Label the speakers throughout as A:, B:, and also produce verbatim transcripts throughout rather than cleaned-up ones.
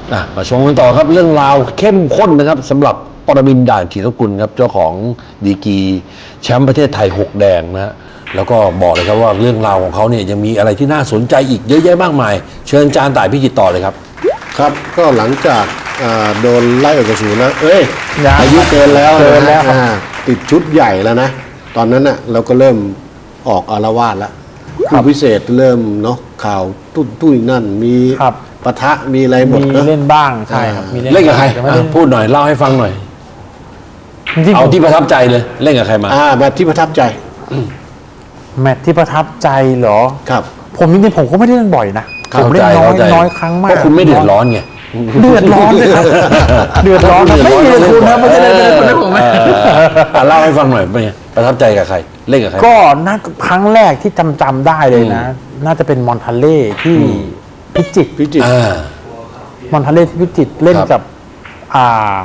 A: มาชมกันต่อครับเรื่องราวเข้มข้นนะครับสำหรับปรมินทร์ด่านขีดกุลครับเจ้าของดีกรีแชมป์ประเทศไทยหกแดงนะฮะแล้วก็บอกเลยครับว่าเรื่องราวของเขาเนี่ยยังมีอะไรที่น่าสนใจอีกเยอะแยะมากมายเชิญจานต่ายพิจิตรต่อเลยครับ
B: ครับก็หลังจากโดนไล่ออกจากศูนย์แล้วเอ้ยอายุเกินแล้วนะติดชุดใหญ่แล้วนะตอนนั้นน่ะเราก็เริ่มออกอารวาสแล้วคู่พิเศษเริ่มเนาะข่าวตุ้นตุ้ยนั่นมีปะทะมีอะไรหมด
C: มีเล่นบ้างใช่ครับมี
A: เล่นกับใครพูดหน่อยเล่าให้ฟังหน่อยเอาที่ประทับใจเลยเล่นกับใครมา
B: อ่าแมตช์ที่ประทับใจ
C: แมตช์ที่ประทับใจเหรอ
B: ครับ
C: ผมจริงๆผมก็ไม่ได้เล่นบ่อยนะผมเล่นน้อยน้อยครั้งมาก
A: เพราะคุณไม่เดือดร้อนไง
C: เดือดร้อนเลยครับเดือดร้อนไม่มีเลยคุณนะไม่ได้เล่นเลยผมไม่
A: เล่าให้ฟังหน่อยเป็นไงประทับใจกับใครเล่นกับใคร
C: ก็น่าครั้งแรกที่จำจำได้เลยนะน่าจะเป็นมอนทาเล่ที่พิจิตร
B: พิจิตร
C: มอนทาเล่ที่พิจิตรเล่นกับอ่า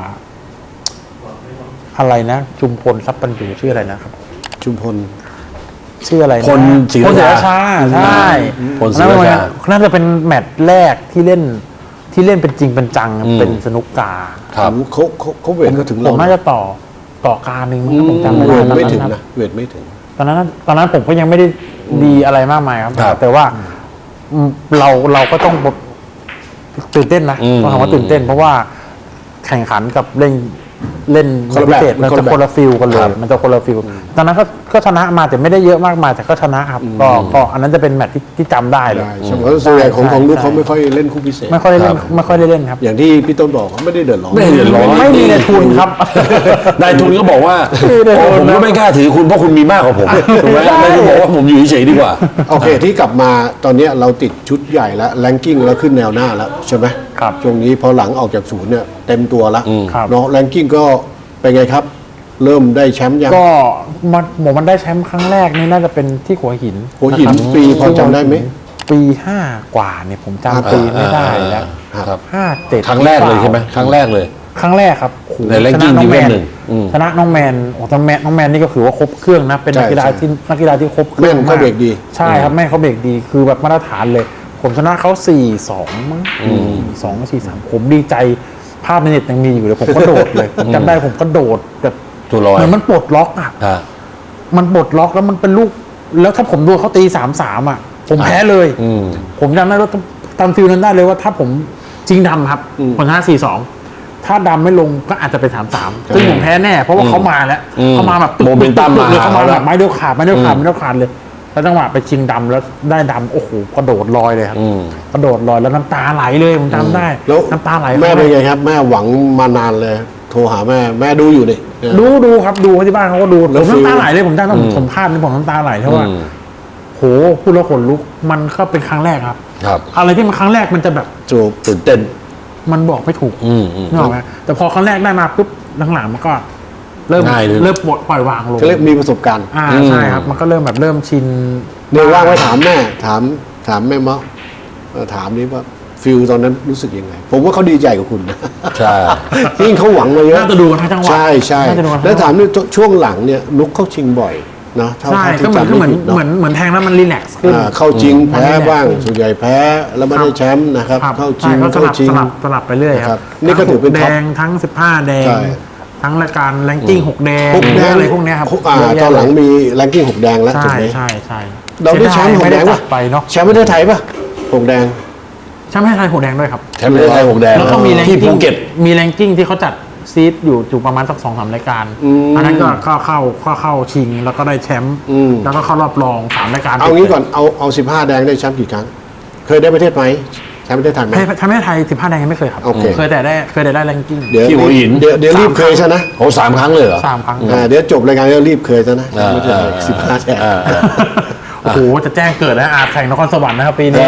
C: อะไรนะชุมพลทรัพย์ปัญญูชื่ออะไรนะครับ
B: ชุมพล
C: ชื่ออะไรนะ
A: พลศรีราชา
C: ใช่
A: พลศรีราชา
C: น่าจะเป็นแมตช์แรกที่เล่นที่เล่นเป็นจริงเป็นจังเป็นสนุกกา
B: ครับเขาเขาเขาเวทก็ถึงเรา
C: ผมน่าจะต่อต่อการหนึ่งผมจำไม่
B: ได้ไม่ถึงนะเวทไม่ถึง
C: ตอนนั้นตอนนั้นผมก็ยังไม่ได้ดีอะไรมากมายครับแต่ว่าเราเราก็ต้องตื่นเต้นนะต้องถามว่าตื่นเต้นเพราะว่าแข่งขันกับเล่นเล่นพิเศษมันจะคนละฟิลกันเลยมันจะคนละฟิลตอนนั้นก็ก็ชนะมาแต่ไม่ได้เยอะมากมายแต่ก็ชนะครับก็ก็อันนั้นจะเป็นแมตช์ที่ที่จำได้เลย
B: ใช่เพราะส่วนใหญ่ของของลูกเขาไม่ค่อยเล่นคู่พิเศษ
C: ไม่ค่อยได้เล่นไม่ค่อยได้เล่นครับ
B: อย่างที่พี่ต้นบอกเขาไม่ได้เดือดร้อน
A: ไม่เดือดร้อน
C: ไม่มีในทุนครับ
A: นายทุนก็บอกว่าผมก็ไม่กล้าถือคุณเพราะคุณมีมากกว่าผมถูกไหมนายทุนบอกว่าผมอยู่เฉยๆดีกว่า
B: โอเคที่กลับมาตอนนี้เราติดชุดใหญ่แล้วแรงกิ้งแล้วขึ้นแนวหน้าแล้วใช่ไหม
C: ครับ
B: ช่วงนี้พอหลังออกจากศูนย์เนี่ยเต็มตัวแล้วเนาะแรงกิ้งก็เป็นไงครับเริ่มได้แชมป์ยัง
C: ก็มันหมมันได้แชมป์ครั้งแรกนี่น่าจะเป็นที่หัวหิน
B: หัวหินปีพอจำได้ไหม
C: ปีห้ากว่าเนี่ยผมจำปีไม่ได้แล้วห้าเจ็ด
A: ครั้งแรกเลยใช่ไหมครั้งแรกเลย
C: ครั้งแรกครับ
A: ในแรงกิ้งที่หนึ่ง
C: ชนะน้องแมนโอ้น้องแมนน้องแมนนี่ก็ถือว่าครบเครื่องนะเป็นนักกีฬาที่นักกีฬาที่ครบเครื่อง
B: มากแม่เขาเบรกดี
C: ใช่ครับแม่เขาเบรกดีคือแบบมาตรฐานเลยผมชนะเขาสี่สองมั้งสองสี่สามผมดีใจภาพในเน็ตยังมีอยู่เลยผมก็โดดเลยผมจำได้ผมก็โดดแบบเหมือนมันปลดล็อกอ่ะมันปลดล็อกแล้วมันเป็นลูกแล้วถ้าผมดูเขาตีสามสามอ่ะผมแพ้เลยผมจำได้ว่าตามฟิลนั้นได้เลยว่าถ้าผมจริงดำครับผมชนะสี่สองถ้าดำไม่ลงก็อาจจะเป็นสามสามซึ่งผมแพ้แน่เพราะว่าเขามาแล้วเขามาแบบ
A: โมเมนตัมมา
C: เลยเขามาแบบไม้เดียวขาดไม้เดียวขาดไม้เดียวขาดเลยแล้วจังหวะไปชิงดำแล้วได้ดำโอ้โหกระโดดลอยเลยครับกระโดดลอยแล้วน้ำตาไหลเลยผมจำได้น้ำตาไหล
B: แม่เป็นไงครับแม่หวังมานานเลยโทรหาแม่แม่ดูอยู่ดิ
C: ดูดูครับดูที่บ้านเขาก็ดูผมน้ำตาไหลเลยผมจำได้ผมภาพนี่ผมน้ำตาไหลเพราะว่าโหพูดแล้วขนลุกมันก็เป็นครั้งแรกครับอะไรที่มันครั้งแรกมันจะแบบ
B: จูบตื่นเต้น
C: มันบอกไม่ถูกนึกออกไหมแต่พอครั้งแรกได้มาปุ๊บหลังๆมันก็เริ่มเริ่มปลดปล่อยวางลง
B: เริ่มมีประสบการณ์
C: อ่าใช่ครับมันก็เริ่มแบบเริ่มชิน
B: เดี๋ยวว่างไว้ถามแม่ถามถามแม่มะถามนี้ว่าฟิลตอนนั้นรู้สึกยังไงผมว่าเขาดีใจกับคุณนะ
A: ใช่
B: ยิ่งเขาหวังมาเยอะ
C: น่าจะดูกันทั้งจังหวะ
B: ใช่ใช่แล้วถามนี่ช่วงหลังเนี่ยนุกเข้าชิงบ่อยนะ
C: ใช่ก็เหมือนเหมือนเหมือนเหมือนแทงแล้วมันรีแลกซ์ขึ้น
B: เข้าจริงแพ้บ้างส่วนใหญ่แพ้แล้วไม่ได้แชมป์นะครับเข้าจริง
C: เข้าจริงสลับสลับไปเรื่อยครับ
B: นี่ก็ถือเป็น
C: แดงทั้งสิบห้าแดงทั้งรายการแรงกิ้งหกแดงอะไรพวกนี้ครับ
B: ตอนหลังมีแรงกิ้งหกแดงแล้วถูกไหม
C: ใช่ใช่
B: เราได้แชมป์หกแดงป่ะแชมป์ประเทศไทยป่ะหกแดง
C: แชมป์ประเทศไทยหกแดงด้วยครับ
A: แชมป์ประเทศไทยหกแดง
C: แล้วก็มีแรง
A: กิ้
C: งมีแรงกิ้งที่เขาจัดซีดอยู่อยู่ประมาณสักสองสามรายการอันนั้นก็เข้าเข้าเข้าเข้าชิงแล้วก็ได้แชมป์แล้วก็เข้ารอบรองสามรายการ
B: เอางี้ก่อนเอาเอาสิบห้าแดงได้แชมป์กี่ครั้งเคยได้ประเทศไหมแชมป์ประเทศไทยไหม
C: แชมป์ประเทศไทยสิบห้าแดงยังไม่เคยครับเคยแต่ได้เคยแต่ได้แรงกิ้ง
B: เดี๋ยวเดี๋ยวเดี๋ยวรีบเคยซะนะ
A: โอ้สามครั้งเลยเหรอ
C: สามครั้ง
B: เดี๋ยวจบรายการแล้วรีบเคยซะนะสิบห้าแดง
C: โอ้โหจะแจ้งเกิดนะอาแข่งนครสวรรค์นะครับปีนี้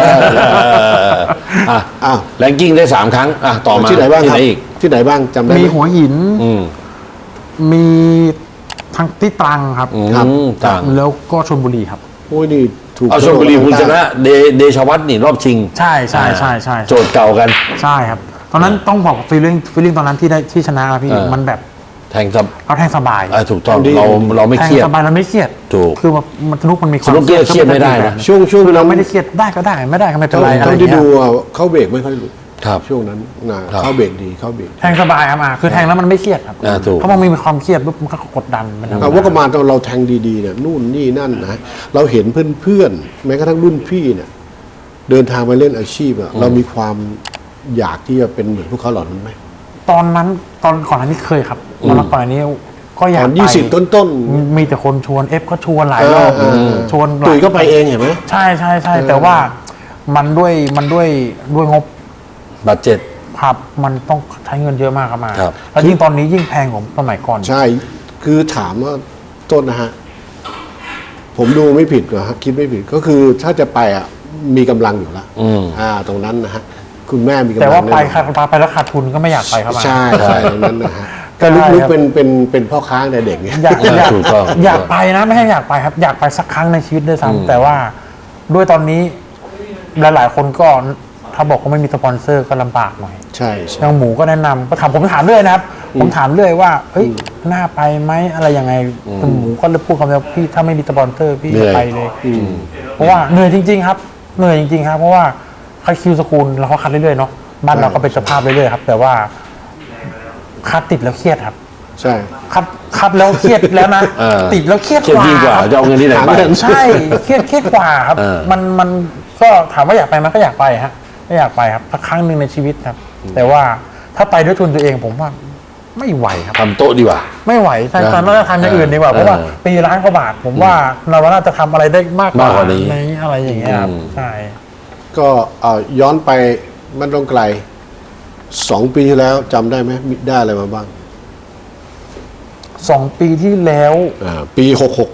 A: อ่าแรงกิ้งได้สามครั้งอ่ะต่อมา
B: ที่ไหนบ้างที่ไหนอีกที่ไหนบ้างจำได้
C: มีหัวหินมีทางที่ตรังครับ
A: ตรัง
C: แล้วก็ชลบุรีครับ
B: โอ้ยนี่
A: ถูกเอาชลบุรีคุณชนะเดเดชวัฒน์นี่รอบชิง
C: ใช่ใช่ใช่ใช่
A: โจทย์เก่ากัน
C: ใช่ครับตอนนั้นต้องบอกฟีลลิ่งฟีลลิ่งตอนนั้นที่ได้ที่ชนะพี่มันแบบ
A: แทงสบ
C: เราแทงสบาย
A: ถูกต้องเราเราไม่เครียด
C: สบายเราไม่เครียด
A: ถูก
C: คือแบบมันสนุกมันมีความ
A: เครียดเครียดไม่ได้นะ
B: ช่วงช่วง
C: เราไม่ได้เครียดได้ก็ได้ไม่ได้ก็ไม่เป็นไร
B: เขาที่ดูเขาเบรกไม่ค่อยรู้
A: ครับ
B: ช่วงนั้นนะครับ เข้าเบรกดีเข้าเบรก
C: แทงสบายครับอ่ะคือแทงแล้วมันไม่เครียดครับ
A: อ่าถูก
C: เพราะมันมีความเครียดปุ๊บมันก็กดดันมันทำ
B: เอาว่าก็มาตอนเราแทงดีๆเนี่ยนู่นนี่นั่นนะเราเห็นเพื่อนๆแม้กระทั่งรุ่นพี่เนี่ยเดินทางไปเล่นอาชีพอะเรามีความอยากที่จะเป็นเหมือนพวกเขาเหล่านั้นไหม
C: ตอนนั้นตอนก่อนหน้านี้เคยครับตอนก่อนหน้านี้ก็อยา
B: ต
C: ก
B: อน
C: ไป
B: ยี่สิบต้น
C: มีมีแต่คนชวนเอฟก็ชวนหลาย
B: เอ
C: ร
B: อ
C: อบ
B: เออ
C: ชวนหลาย
B: ตุ๋ยก็ไปเองเห็นไหม
C: ใช่ใช่ใช่แต่ว่ามันด้วยมันด้วยด้วยงบ
A: บัตเจ็ต
C: ครับมันต้องใช้เงินเยอะมากครับมา
A: ครับ
C: แล้วยิ่งตอนนี้ยิ่งแพงกว่าสมัยก่อน
B: ใช่คือถามว่าต้นนะฮะผมดูไม่ผิดนะฮะคิดไม่ผิดก็คือถ้าจะไปอ่ะมีกำลังอยู่แล้ว
A: อืม
B: อ่า ตรงนั้นนะฮะคุณแม่มีกำลัง
C: แต่ว่าไป
B: แน่นอน
C: ค่ะไปแล้วขาดทุนก็ไม่อยากไปครับมา
B: ใช่ใช่ตรงนั้นนะฮะ
C: ก็
B: ก็
C: ได้
B: ลุก
C: ครับ
B: ๆเป็นเป็นเป็นพ่อค้าในเด็กเนี่ย
C: อยากอยาก
A: ถูกต้อง
C: อยากไปนะไม่ใช่อยากไปครับ อยากไปสักครั้งในชีวิตด้วย
A: อืม
C: ซ้ำแต่ว่าด้วยตอนนี้หลายๆคนก็ถ้าบอกว่าไม่มีสปอนเซอร์ก็ลำบากหน่อย
B: ใช่ใช่
C: ทางหมูก็แนะนำก็ถามผมถามเรื่อยนะครับ ผมถามเรื่อยว่าเฮ้ยน่าไปไหมอะไรยังไงคุณหมูก็เลยพูดคำเดียวพี่ถ้าไม่มีสปอนเซอร์พี่
A: เหนื่
C: จะ
A: อย
C: ไปเลยเพราะว่าเหนื่อยจริง ๆ ครับเหนื่อยจริงๆครับ เพราะว่าคัดคิวสกูลเราก็คัดเรื่อยๆเนาะบ้านเราก็เป็นสภาพเรื่อยๆครับ แต่ว่าคัดติดแล้วเครียดครับ
B: ใช่
C: คัดคัดแล้วเครียดแล้วนะ
A: เออ
C: ติดแล้วเครียด
A: เครียด
C: กว่า
A: ยิ่งกว่าจะเอาเงินที่ไหนไป
C: ใช่เครียดเครียดกว่าครับ
A: เออ
C: มันมันก็ถามว่าอยากไปไหมันก็อยากไปฮะไม่อยากไปครับสักครั้งหนึ่งในชีวิตครับ แต่ว่าถ้าไปด้วยทุนตัวเองผมว่าไม่ไหวครับ
A: ทำโต๊ะดีกว่า
C: ไม่ไหวใช่ตอนนั้นทำอย่างอื่นดีกว่า
A: เออ
C: เพราะว่าปีล้านกว่าบาท ผมว่าเราน่าจะทำอะไรได้มากกว่าม
A: ากกว่านี้
C: ในอะไรอย่างเงี้ยครับ
A: อืม
C: ใช่
B: ก็เอาย้อนไปมันต้องไกลสองปีที่แล้วจำได้ไหมมีได้อะไรมาบ้าง
C: สองปีที่แล้ว
B: อ่าปีหกหก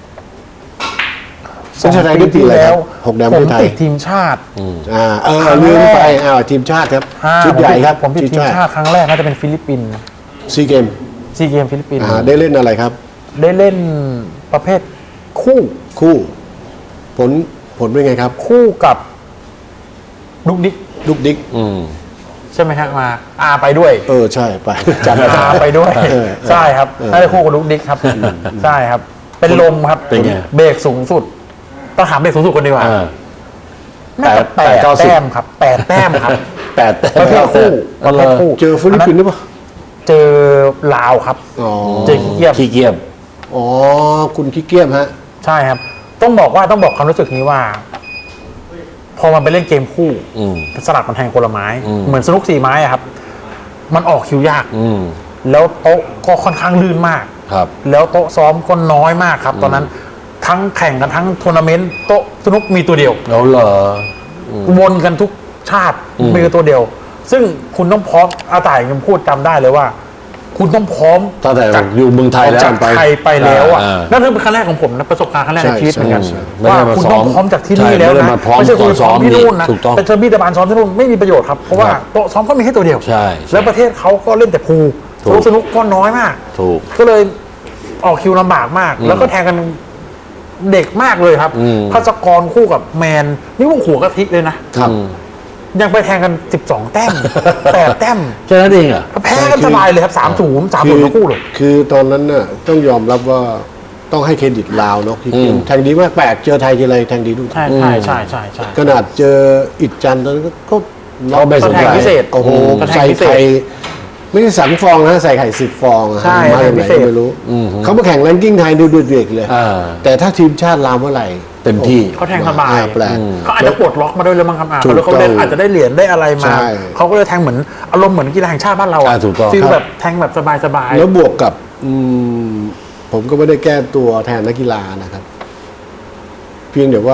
C: สอง
B: ประเทศไทย
C: ปี
B: ได้ปี
C: ที่
B: อะไร
C: แล้ว
B: ครับหกแดง
C: ผ
B: ประ
C: ม
B: เทศไทย
C: ติดทีมชาติ
B: อ่าเออ
C: ครั้ง
B: ลืมไป
C: แรก
B: อ้าวทีมชาติครับ
C: อ่า
B: ชุดใหญ่ครับ
C: ผมติดทีมชาติครั้งแรกน่าจะเป็นฟิลิปปินส์
B: ซีเกม
C: ซีเกมฟิลิปปินส์
B: อ่าได้เล่นอะไรครับ
C: ได้เล่นประเภทคู่
B: คู่ ผลผลเป็นไงครับ
C: คู่กับดุกดิก
B: ลูกดิ๊ก
A: อืม
C: ใช่ไหมฮะมาอาไปด้วย
B: เออใช่ไปจำได้
C: อาไปด้วย
B: เออ
C: ใช่ครับน่าจะคู่กับดุกดิกครับใช่ครับ เป็นลมครับ
A: เป็นไง
C: เบรกสูงสุดต้องถามเบรกสูงสุดคนดีกว่า
A: อ่า
C: น่าจะ
A: แป
C: แป
A: ด
C: ด
A: เก้าสิบ
C: แต้มครับแปดแต้มครับ
A: แปดแต้ม
C: ประเภทคู่ประเภทคู่
B: เจอฟิลิปปินส์หรือเปล่า
C: เจอลาวครับ
B: อ๋อ
C: เจอขี้เกียจ
A: ขี้เกียจ
B: อ๋อคุณขี้เกียจฮะ
C: ใช่ครับ ต้องบอกว่าต้องบอกความรู้สึกนี้ว่า พอมันไปเล่นเกมคู่
A: อืม
C: สลับมันแทงคนละไม้
A: อืม
C: เหมือนสนุกสี่ไม้อะครับ มันออกคิวยาก
A: อืม
C: แล้วโต๊ะก็ค่อนข้างลื่นมาก
A: ครับ
C: แล้วโต๊ะซ้อมก็น้อยมากครับ ตอนนั้นทั้งแข่งกันทั้งทัวร์นาเมนต์โต๊ะสนุกมีตัวเดียว
A: แล้วเหรอ
C: วนกันทุกชาติ
A: อืม
C: มีตัวเดียว ซึ่งคุณต้องพร้อมอาต่ายยังพูดจำได้เลยว่า คุณต้องพร้อม
A: ตั้งแต่
C: จาก
A: อยู่เมืองไทยแล้ว
C: จากไทยไปแล้วอ่ะ
A: อ่า
C: นั่นคือเป็นครั้งแรกของผมนะประสบการณ์ครั้งแรกในชีวิตเหมือนกัน
B: ใช่
A: ใช่
C: ว่า
A: ไม่ได้มา
C: คุณ
A: ซ้อม
C: ต้องพร้อมจากที่นี่
A: ใช่
C: แล้ว
A: ไม่ได้
C: นะ
A: มาพร้อม
C: ไม่ใช่คุณ
A: ตอนซ้
C: ซ้
A: อ
C: อ
A: ม
C: มที่นู่นนะ
A: ถูกต้อง
C: เป็นเทอร์บี้ตะบานซ้อมที่นู่นไม่มีประโยชน์ครับเพราะว่า
A: ครับ
C: โต๊ะซ้อมก็มีให้ตัวเดียว
A: ใช่
C: แล้วประเทศเขาก็เล่นแต่พูล
A: ถูก
C: สนุกก็น้อยมาก
A: ถูก
C: ก็เลยออกคิวลำบากมาก แล้วก็แทงกันเด็กมากเลยครับ
A: อืม
C: พัศกรคู่กับแมนนี่พวกหัวกะทิเลยนะครับ ยังไปแทงกันสิบสองแต้ม แปดแต้ม
A: แค่นั้นเองอ่ะ
C: แพ้กันสบายเลยครับสามศูนย์สามศูนย์ทั้งคู่เลย
B: คือตอนนั้นน่ะต้องยอมรับว่าต้องให้เครดิตลาวเนาะที่
A: อืม
B: แทงดีมากแปลกเจอไทยทีไรแทงดีทุกที
C: ใช่ใช่ใช่ใช่ใช่
B: ขนาดเจออิดจันทร์ตอนนั้นก็ก็
A: เขาไม่สนใจ
C: แทงพิเศษ
B: โอ้โห
C: กระแทก
B: ใส่
C: พิเศษ
B: ไข่ไม่ใช่สังฟองนะใส่ไข่สิบฟองอะ
C: ใช่
B: มาจากไหน
C: พิเศษ
B: ก็ไม่รู้
A: อืม
B: เขามาแข่งแรงกิ้งไทยดูเดือดๆเลย
A: อ่า
B: แต่ถ้าทีมชาติลาวเมื่อไหร่
A: เต็มที่
C: เขาแทงสบาย
B: อ่แปลก
C: เขาอาจจะปลดล็อกมาด้วยแล้วมั้งครับอ่ะ
B: ถูก
C: แล้วเขาได้
B: ต้อง
C: อาจจะได้เหรียญได้อะไรมา
B: ใช่
C: เขาก็เลยแทงเหมือนอารมณ์เหมือนกีฬาแห่งชาติบ้านเรา
A: อ่าถูกต้อง
C: ฟีล
B: ครับ
C: แบบแทงแบบสบายๆ
B: แล้วบวกกับอืมผมก็ไม่ได้แก้ตัวแทนนักกีฬานะครับ เพียงแต่ว่า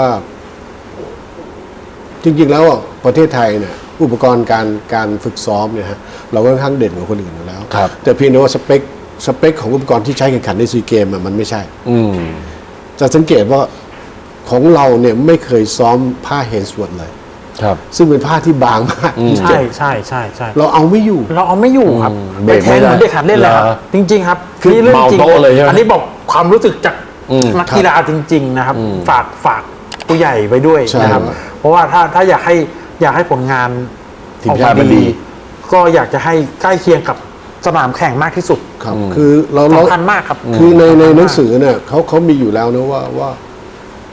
B: จริง ๆ แล้วอ่ะประเทศไทยเนี่ย อุปกรณ์การการฝึกซ้อมเนี่ยฮะเราก็ค่อนข้างเด่นกว่าคนอื่นอยู่แล้ว
A: ครับ
B: แต่เพียงแต่ว่าสเปคสเปคของอุปกรณ์ที่ใช้แข่งขันในซีเกมอะมันไม่ใช่
A: อืม
B: จะสังเกตว่าของเราเนี่ยไม่เคยซ้อมผ้าเฮนสวอตเลย
A: ครับ
B: ซึ่งเป็นผ้าที่บางมาก
A: อืม
C: ใช่ใช่ใช่ใช่
B: เราเอาไม่อยู่
C: เราเอาไม่อยู่ครับ
A: อืม
C: ไปแทงเหมือน
A: เบรกไม่ได้
C: เด็กหัดเล่นเลยครับ
A: เหรอ
C: จริง ๆ ครับ
A: คือ
C: นี่เรื่องจริง
A: เมาโต๊ะเลยใช่ไหม
C: อันนี้บอกความรู้สึกจาก
A: อืม
C: นักกีฬาจริง ๆ นะครับ
A: อืม
C: ฝากฝากผู้ใหญ่ไว้ด้วย
B: ใช่
C: นะครับ
B: ครับ
C: เพราะว่าถ้าถ้าอยากให้อยากให้ผลงาน
A: ทีมชาติมันดี
C: ก็อยากจะให้ใกล้เคียงกับสนามแข่งมากที่สุด
B: ครับ คือเราเรา
C: สำคัญมากครับ
B: คือในใน
C: สำคัญมาก
B: หนังสือเนี่ยเขาเขามีอยู่แล้วนะว่าว่า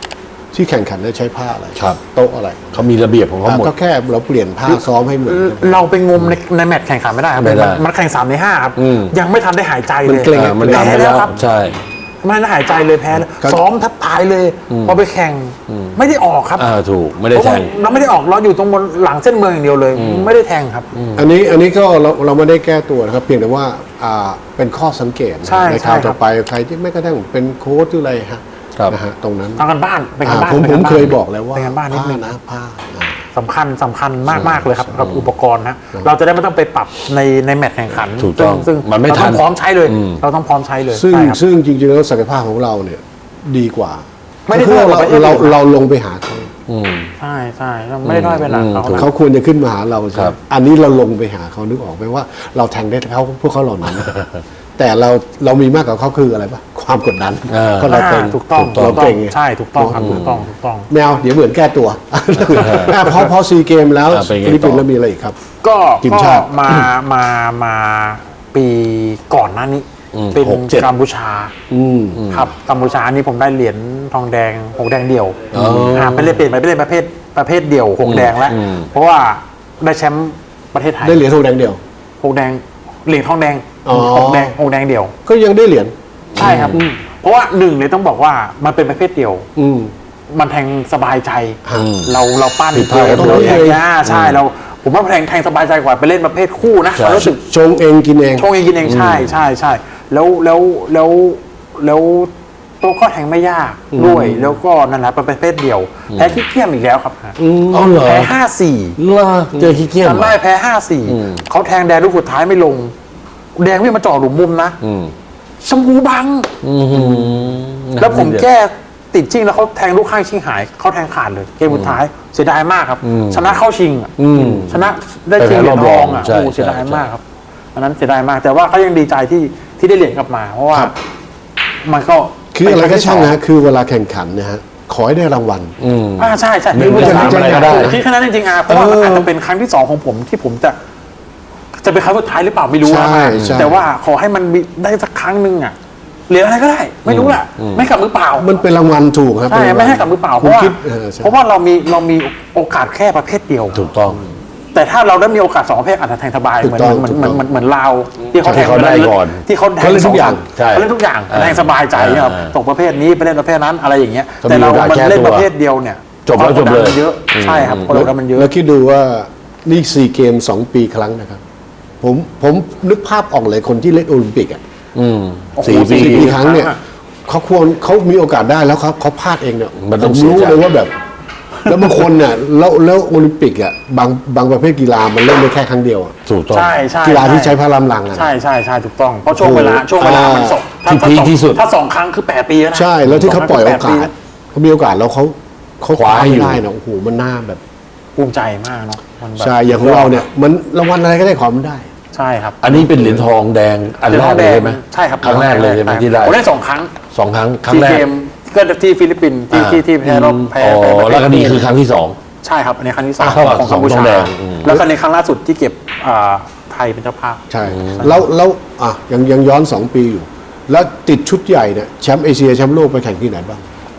B: ที่แข่งขันได้ใช้ผ้าอะไร
A: ครับ
B: โต๊ะอะไร
A: เขามีระเบียบของเขาหมด
B: ก็แค่เราเปลี่ยนผ้าซ้อมให้เหมือนกัน
C: เราไปงมในในแมตช์แข่งขันไม่ได้ครับ
A: ไม่ได้
C: นมันแข่งสามในห้าครับ
A: อืม
C: ยังไม่ทันได้หายใจ
B: มัน
C: เลย
B: เกร็ง
A: อ่ามัน
C: แพ้
A: ทำไป
C: แล้
A: แล้ว ว
C: ครับ
A: ใช่
C: ไม่ได้หายใจเลยแพ้เลย
B: ครับ
C: ซ้อมแทับตายเลยพอไปแข่งไม่ได้ออกครับ
A: อ่าถูกไม่ได้แทง
C: เราไม่ได้ออกเราอยู่ตรงบนหลังเส้นเมืองอย่างเดียวเลย ไม่ได้แทงครับ
B: อันนี้อันนี้ก็เราเราไม่ได้แก้ตัวนะครับ เพียงแต่ว่าอ่าเป็นข้อสังเกตนะ
C: ใช่
B: ในคราว
C: ใช่ครับ
B: ต่อไปใครที่ไม่กระทั่งเป็นโค้ชหรืออะไรฮะ
A: ครับ
B: นะฮะตรงนั้น
C: ทำกันบ้านเป็นกัน
B: อ่า
C: บ้าน
B: ผม
C: ป็น
B: ผ
C: น
B: ม
C: บ้าน
B: เคยบอกแล้วว่า
C: เป็นกันบ้านนิด
B: ผ้า
C: นึง
B: นะผ้าอ่า
C: สำคัญสำคัญมากมากเลยครับกับอุปกรณ์นะเราจะได้ไม่ต้องไปปรับในในแมตช์แข่งขัน
A: ถูกต้อง
C: ซึ่ง
A: มันไม่
C: เรา
A: ทั
C: ต้อน งพร้อมใช้เลย
A: อืม
C: เราต้องพร้อมใช้เลย
B: ซึ่ง
C: ใช่ครับ
B: ซึ่งจริงๆแล้วศักยภาพของเราเนี่ยดีกว่า
C: ไม่ได้
B: คือ
C: ด้อยก
B: เรา
C: ว่าประเทศ
B: เรา
C: อื่น
B: เราลงไปหาเขา
A: อืม
C: ใช่ใช่เราไม่ได้ด้อยไปหลังเขา
A: อืม
C: นะ
B: เขาควรจะขึ้นมาหาเราใช่
A: ค
B: ไห
A: รั
B: ม
A: บ
B: อันนี้เราลงไปหาเขานึกออกไหมว่าเราแทงได้เขาพวกเขาเหล่านั้น แต่เราเรามีมากกว่าเขาคืออะไรปะความกดดัน
A: อ่า
B: เพราะเราเก่ง
C: ถูกต้อง
B: เรา
C: ถูกต้อ
B: เก่
C: ง
B: ง
C: ใช่ถูกต้องครับถูกต้องถูกต้อง
B: แมวเดี๋ยวเหมือนแก้ตัวอ่ะพอพอซีเกมแล้ว
A: อ่ะเป็นไง
B: ฟิลิปปินส์
A: ต่อ
B: แล้วมีอะไรอีกครับ
C: ก็
B: ทีม
C: ก็
B: ชาติ
C: มามามาปีก่อนหน้านี้
A: อืม
C: เป็น
A: หกเจ็ด
C: กัมพูชา
B: อืม
C: ครับกัมพูชานี่ผมได้เหรียญทองแดงหกแดงเดี่ยว
A: อ๋ออ่
C: าไปเล่นเปลี่ยนไปเล่นประเภทประเภทเดี่ยวหกแดงแล้ว
A: อืม
C: เพราะว่าได้แชมป์ประเทศไทย
B: ได้เหรียญทองแดงเดียว
C: หกแดงเหรียญทองแดง
B: อ๋อ
C: หกแดงหกแดงเดี่ยว
B: ก็ยังได้เหรียญ
C: ใช่ครับ เพราะว่าหนึ่งเลยต้องบอกว่ามันเป็นประเภทเดี่ยว
B: อืม
C: มันแทงสบายใจ
A: อืม
C: เราเราปั้น
A: ผิดพลาดกัน
C: เรา
B: เลย
C: แทงอ่าใช่เราผมว่าแทงแทงสบายใจกว่าไปเล่นประเภทคู่นะ
A: ใช่
C: เรารู้สึก
B: ชงเองกินเอง
C: ชงเองกินเองใช่ใช่ใช่แล้วแล้วแล้วแล้วโต๊ะก็แทงไม่ยากด้วย แล้วก็นั่นแหละเป็นประเภทเดียว แพ้ขี้เกียจอีกแล้วครับ
A: อ๋อเหรอ
C: แพ้ห้าสี่
A: ล่าเจอขี้เกียจ
C: จำได้แพ้ห้าสี่
A: อืม
C: เขาแทงแดงลูกสุดท้ายไม่ลง แดงไม่มาจ่อหลุมมุมนะ
A: อืม
C: ชมพูบัง
A: อืม
C: แล้วผมแก้ติดชิงแล้วเขาแทงลูกข้างชิงหายเขาแทงขาดเลยเกมสุดท้ายเสียดายมากครับ ชนะเข้าชิงอะ
A: อืม
C: ชนะได้ชิงเหรียญทองอ่ะ
A: ใช่
C: โอ้เสียดาย
A: ใช่
C: มากครับอันนั้นเสียดายมาก แต่ว่าเขายังดีใจที่ที่ได้เหรียญกลับมา เพราะว่า
B: ครับ
C: มันก็
B: คืออะไรก็ช่าง
C: เป็
B: นะคือเวลาแข่งขันเนะฮะขอให้ได้รางวัล
A: อืม
C: อ่าใช่ใช่
A: ไม่ว่าจะ
C: ที่
A: ทำอะไรก็ได้
C: ที่ขนาดนั้นจริงๆอ่ะเพราะว่ามันอาจจะเป็นครั้งที่สองของผมที่ผมจะ จะเป็นครั้งสุดท้ายหรือเปล่าไม่รู้นะ
B: ใช่ใช่
C: แต่ว่าขอให้มันมีได้สักครั้งหนึ่งอ่ะเหรียญอะไรก็ได้ ไม่รู้แหละไม่กลับมือเปล่า
B: มันเป็นรางวัลถูกครับ
C: ใช่
B: เป็นรางวัล
C: ไม่ให้กลับมือเปล่าเพ
B: คุณ
C: ราะว่า
B: คิดออใช่
C: เพราะว่าเรามีเรามีโอกาสแค่ประเภทเดียว
A: ถูกต้อง
C: แต่ถ้าเราได้มีโอกาสสองประเภทอาจจะแทงสบาย
B: ถู
C: เห
B: ก
C: มือน
B: ต้อง
C: เหมือน
B: ถูก
C: เหมื
B: ต้
C: อ
B: อน ง
C: เหมือนเหมือนลาวที่เขาแทง
A: ที่เขาได้ก่อน
C: ที่เขาแทง
B: เขาเล่นทุกอย่าง
A: ใช่
C: เขาเล่นทุกอย่าง
A: อ่า
C: แทงสบายใจครับ
A: อ่า
C: ตกประเภทนี้ไปเล่นประเภทนั้นอะไรอย่างเงี้ย
A: ก็มี
C: แต่เรา
A: โอกาส
C: มัน
A: แก้
C: เล่น
A: ตัว
C: ประเภทเดียวเนี่ย
A: จบแล้วจบเลย
C: ความกดดันมันเยอะใช่ครับความกดดันมันเยอะ
B: แล้วคิดดูว่านี่ซีเกมสองปีครั้งนะครับ ผมผมนึกภาพออกเลยคนที่เล่นโอลิมปิกอ่ะ
A: อืม
C: โอ้โห
A: สี่ปี
B: สี่ปีครั้งเนี่ย
C: ครั้งอะ
B: เขาควรเขามีโอกาสได้แล้วเขาเขาพลาดเองเนี่ย
A: มันต้อง
B: ผ
A: เสีย
B: รู้
A: ใจ
B: เลยว่าแบบ แล้วบางคนเนี่ยแล้วแล้วโอลิมปิกอ่ะบางบางประเภทกีฬามันเล่นได้แค่ครั้งเดียวอะ
A: ถูกต้อง
C: ใช่ใช่
B: กีฬาที่ใช้พลังลังอ่ะ
C: ใช่ใช่ใช่ถูกต้องเพราะช่วงเวลาช่วงเวลามันสองถ้า
A: ที่พีค
C: ถ้าสอง
A: ที่สุด
C: ถ้าสองครั้งคือแปดปีแล้วนะ
B: ใช่แล้วที่เขาปล่อยโอ
C: สงครั้
B: กาง
C: คื
B: ส
C: แปดปี
B: เขามีโอกาสแล้วเขาเขา
A: คว้า
B: ไม่
A: อยู่
B: ได้นะโอ้โหมันน่าแบบ
C: ภูมิใจมากเนาะมันแบบ
B: ใช่อย่างของเราเนี่ยมันรางวัลอะไรก็ได้ขอมันได้
C: ใช่ครับ
A: อันนี้เป็นเหรียญทองแดงอันแรกเลยใช่ไหม
C: ใช่ครับ
A: ครั้งแรกเลยใช่ไหมที่ได้
C: ผมได้สองครั้ง
A: สองครั้งครั้ง
C: ที่
A: แรก
C: เกมก็ที่ฟิลิปปินส์ที่
A: อ่า
C: ที่ที่แพ้รอบแพ้
A: อ๋อ
C: พ้ประเภท
A: แล้วก็นี่คือครั้งที่สอง
C: ใช่ครับอันนี้ครั้งที่สอง
A: อ่าเท่ากับ
C: ของ
A: สอ
C: กั
A: ง
C: มพู
A: ทอ
C: ชาง
A: แดงอืม
C: แล้วก็ในครั้งล่าสุดที่เก็บอ่าไทยเป็นเจ้าภาพ
B: ใช่ แล้วแล้วอ่ะยังยังย้อนสองปีอยู่ แล้วติดชุดใหญ่เนี่ยแชมป์เอเชียแชมป์โลกไปแข่งที่ไหนบ้าง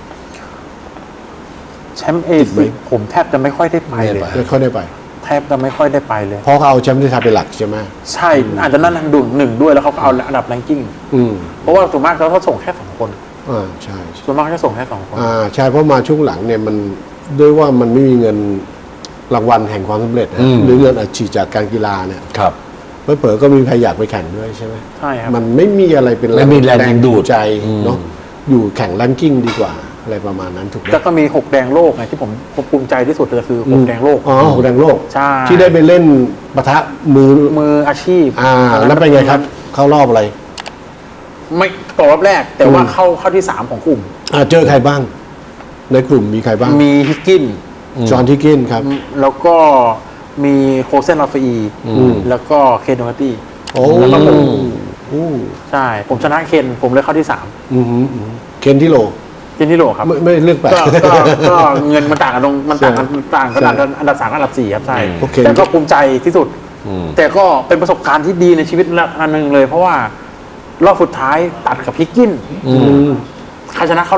C: แชมป์เอเชียผมแทบจะไม่ค่อยได้ไปเลย
B: ไม่ค่อยได้ไป
C: แทบจะไม่ค่อยได้ไปเลย
B: เพราะเขาเอาแชมป์ที่ไทยเป็นหลักใช่ไหม
C: ใช่อาจจะนั่นดุหนึ่งด้วยแล้วเขาก็เอาอันดับแรงกิ้ง
B: อืม
C: เพราะว่าส่วนมากเขาเขาส่งแค่สองคน
B: อ่าใช่
C: ส่วนมากจะส่งแค่สองคน
B: อ่าใช่เพราะมาช่วงหลังเนี่ยมันด้วยว่ามันไม่มีเงินรางวัลแห่งความสำเร็จนะ
A: อืม
B: หรือเงินอัดฉีดจากการกีฬาเนี่ย
A: ครับ
B: เผลอๆก็มีใครอยากไปแข่งด้วยใช่ไหม
C: ใช่ครับ
B: มันไม่มีอะไรเป็น
A: ไม่มีแรงดึงดูด
B: ใจ
A: อืม
B: เนาะอยู่แข่งแรงกิ้งดีกว่าอะไรประมาณนั้นถูกไหม
C: แล้วก็มีหกแดงโลกไงที่ผมผมภูมิใจที่สุดเลยคือหกแดงโลก
B: อ๋อหกแดงโลก
C: ใช่
B: ที่ได้ไปเล่นปะทะมือ
C: มืออาชีพ
B: อ่าแล้วเป็นไงครับ เข้ารอบอะไร
C: ไม่ตกรอบแรก แต่ว่า
B: อืม
C: เข้าเข้าที่สามของกลุ่ม
B: อ่าเจอใครบ้าง ในกลุ่มมีใครบ้าง
C: มีฮิกกิน
B: จอห์นทิกกินครับ
C: แล้วก็มีโคเซนลาฟอี
B: อืม
C: แล้วก็เคนโดฮัตตี้
B: โอ้
C: แล้วก็ผม
B: โอ้
C: ใช่ ผมชนะเคนผมเลยเข้าที่สาม
B: อืมอืมอืมเคนที่โล
C: เคนที่โหลครับ
B: ไม่ไม่เลือกแปลก
C: ก็ก็ก็เงินมันต่างกันตรงมันต่างกันต่างกัน
B: ใช่
C: อันดับอันดับสามกับอันดับสี่ครับใช่
B: โอเค
C: แต่ก็ภูมิใจที่สุด
A: อืม
C: แต่ก็เป็นประสบการณ์ที่ดีในชีวิตอันหนึ่งเลย เพราะว่ารอบสุดท้ายตัดกับฮิกกิน
B: อืม
C: ใครชนะเข้ารอบ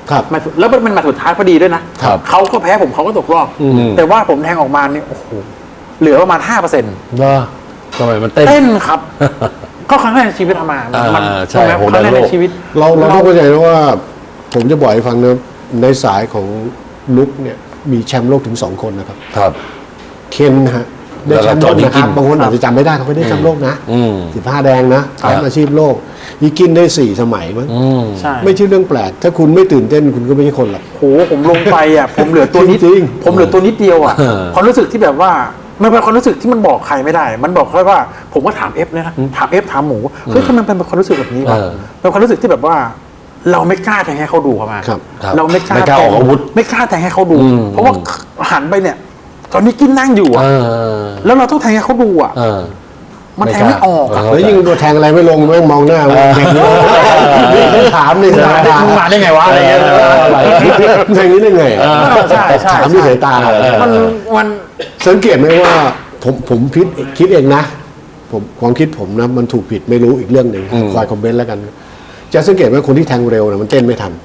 B: ครับ
C: แมตช์แล้วมันเป็นแมตช์สุดท้ายพอดีด้วยนะครับ เขาก็แพ้ผมเขาก็ตกรอบ
A: อืม
C: แต่ว่าผมแทงออกมาเนี่ยโอ้โหเหลือประมาณห้าเปอร์เซ็นต์
A: เนอะทำไมมันเต้น
C: เต้นครับ ก็ครั้งแรกในชีวิตทำมา
A: อ่า
C: มัน
A: ใช่
C: ใช่ไหม
A: โห
C: ครั้งแรก
A: ในโล
C: ใน
A: ก
C: ชีวิต
B: เราเราต้องเข้าใจนะว่า ผมจะบอกให้ฟังนะในสายของลุกเนี่ยมีแชมป์โลกถึงสองคนนะครับ
A: ครับ
B: เคนนะฮะได้แชมป์โลกนะครับบางคนอาจจะจำไม่ได้เขาไม่ได้แชมป์โลกนะ
A: อืม
B: สิบห้าแดงนะแชมป์อาชีพโลกยีกินได้สี่สมัยมั้ง
A: อืม
C: ใช่
B: ไม่ใช่เรื่องแปลก ถ้าคุณไม่ตื่นเต้นคุณก็ไม่ใช่คนหรอก
C: โหผมลงไปอ่ะ ผมเหลือตัวนิด
B: จริง
C: ผมเหลือตัวนิดเดียวอ่ะ
A: เออ
C: ความรู้สึกที่แบบว่ามันเป็นความรู้สึกที่มันบอกใครไม่ได้ มันบอกแค่ว่า ผมก็ถามเอฟนะถามเอฟถามหมูเฮ้ยทำไมมันเป็นความรู้สึกแบบนี้วะ
A: เออ
C: เป็นความรู้สึกที่แบบว่า เราไม่กล้าแทงให้เขาดูครับมา
B: ครับ
A: ครับ
C: เราไม่กล้า
A: ไม่กล้าออกอาวุธ
C: ไม่กล้าแทงให้เขาดู
A: อืม
C: เพราะว่าหันไปเนี่ย ตอนนี้กินนั่งอยู่
A: เอ
C: อ่ะ
A: อ
C: แล้วเราต้องแทงให้เขาดูอ่ะ
A: เออ
C: มันแทงไม่ออกอะ
A: เออ
B: แล้วยิ่งตัวแทงอะไรไม่ลงแม่งมองหน้าแข่งนี่ถามนี่
C: มึงมาได้ไงวะอะไรเงี้ย
B: แข่งนี้ได้ไง
C: ใช่ใช่
B: ถามที่สายตา
C: มันมัน
B: สังเกตไหมว่าผมผมคิดคิดเองนะ ผมความคิดผมนะมันถูกผิดไม่รู้อีกเรื่องหนึ่งคอยคอมเมนต์แล้วกัน จะสังเกตว่าคนที่แทงเร็วนะมันเต้นไม่ทัน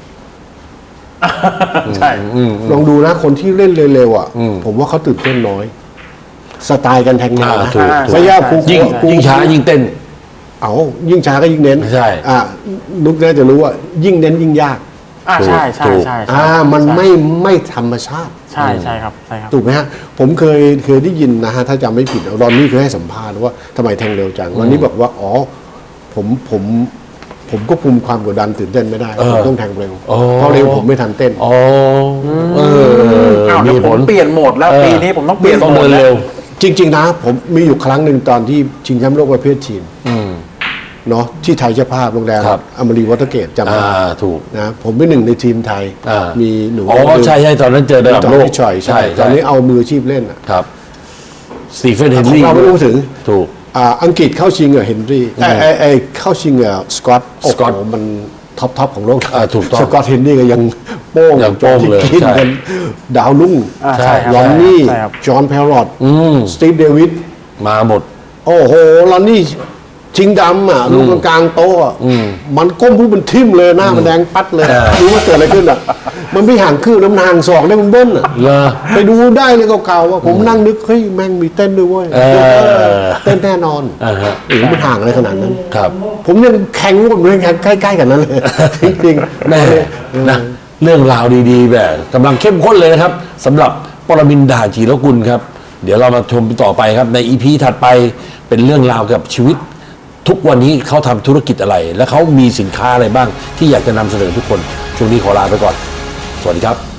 C: ใช่
A: อืม
B: ลองดูนะคนที่เล่นเร็วๆอ่ะ
A: อืม
B: ผมว่าเขาตื่นเต้นน้อย สไตล์การแทงแนว
A: อ่า
B: นะ
A: ถูกถูก
B: ไม่ยากครู
A: ยิ่ง
B: ครู
A: ยิ่งช้ายิ่งเต้น
B: เอายิ่งช้าก็ยิ่งเน้น
A: ใช่
B: อ่านุกน่าจะรู้ว่ายิ่งเน้นยิ่งยาก
C: อ่าใช่ใช่
A: ถูก
C: ใช่ใช่
B: อ่ามันไม่ไม่ธรรมชาติ
C: ใช่ใช่ครับใช่ครับ
B: ถูกไหมฮะ ผมเคยเคยได้ยินนะฮะ ถ้าจำไม่ผิดรอนนี่เคยให้สัมภาษณ์ว่าทำไมแทงเร็วจังรอนนี่บอกว่า อ๋อ ผมผมผมก็คุมความกดดันตื่นเต้นไม่ได้
A: เออ
B: ผมต้องแทงเร็ว
A: อ๋อ
B: เพราะเร็วผมไม่ทันเต้น
A: อ๋อเออ
C: อ้าว
A: มี
C: เดี๋ยว
A: ผ
C: ผม
A: ล
C: เปลี่ยนโหมดแล้ว
A: เออ
C: ปีนี้ผมต้องเปลี่ยน
A: ต้อง
C: โหม
A: เดิ
C: ด
A: น
C: แล้
A: เร็
C: ว
A: ว
B: จริง ๆ นะ ผมมีอยู่ครั้งหนึ่งตอนที่ชิงแชมป์โลกประเภททีม
A: อืม
B: เนาะที่ไทยเจ้าภาพโรงแรม
A: ครับ
B: อมรีวอเตอร์เกตจำได้
A: อ่าถูก
B: นะผมเป็นหนึ่งในทีมไทย
A: อ่ามี
B: มีหนู
A: อ๋อใช่ใช่ตอนนั้นเจอระดับ
B: ตอน
A: โลก
B: ที่ชอยใช่ตอนนี้เอามืออาชีพเล่นอะ
A: ครับสตีเฟนเฮน
B: ของ
A: รี่
B: เราไม่รู้ถึง
A: ถูก
B: อ่าอังกฤษเข้าชิงกับเฮนรี่ไอ้ไอ้ไอ้เข้าชิงกับสกอตโอ้
A: สกอต
B: โหมันท็อปท็อปของโลก
A: อ่าถูกต้อง
B: สกอตเฮนรี่ก็ยังโป้ง
A: ยังโป้งเลย
B: กิน
A: ใช่
B: กันดาวรุ่ง
C: อ่าใช่ครับ
B: ลอนนี่
C: ใช่ครับ
B: จอห์นแพรรอต
A: อืม
B: สตีฟเดวิด
A: มาหมด
B: โอ้โหลอนนี่ชิงดำอ่ะลูกกลางๆโต๊ะอะมันก้มผู้มันทิ่มเลยหน้ามันแดงปัดเลย
A: เออ
B: รู้ว่าเกิดอะไรขึ้นอ่ะ มันไม่ห่างคืบน้ำนางศอกได้มันเบิ้ลอ่ะ
A: เหรอ
B: ไปดูได้เลยเก่าๆว่าผมนั่งนึกเฮ้ยแม่งมีเต้นด้วยเว้ย
A: เออ
B: เต้นแน่นอน
A: อ่าฮะ
B: โอ้โหมันห่างอะไรขนาดนั้น
A: ครับ
B: ผมยังแข่งกับมันใกล้ๆกันนั้นเลย จริงๆ
A: แม่นะเรื่องราวดีๆ แบบกำลังเข้มข้นเลยนะครับสำหรับปรมินทร์ ด่านจีรกุลครับ เดี๋ยวเรามาชมต่อไปครับ ในอีพีถัดไปเป็นเรื่องราวกับชีวิต ทุกวันนี้เขาทำธุรกิจอะไร และเขามีสินค้าอะไรบ้าง ที่อยากจะนำเสนอทุกคน ช่วงนี้ขอลาไปก่อน สวัสดีครับ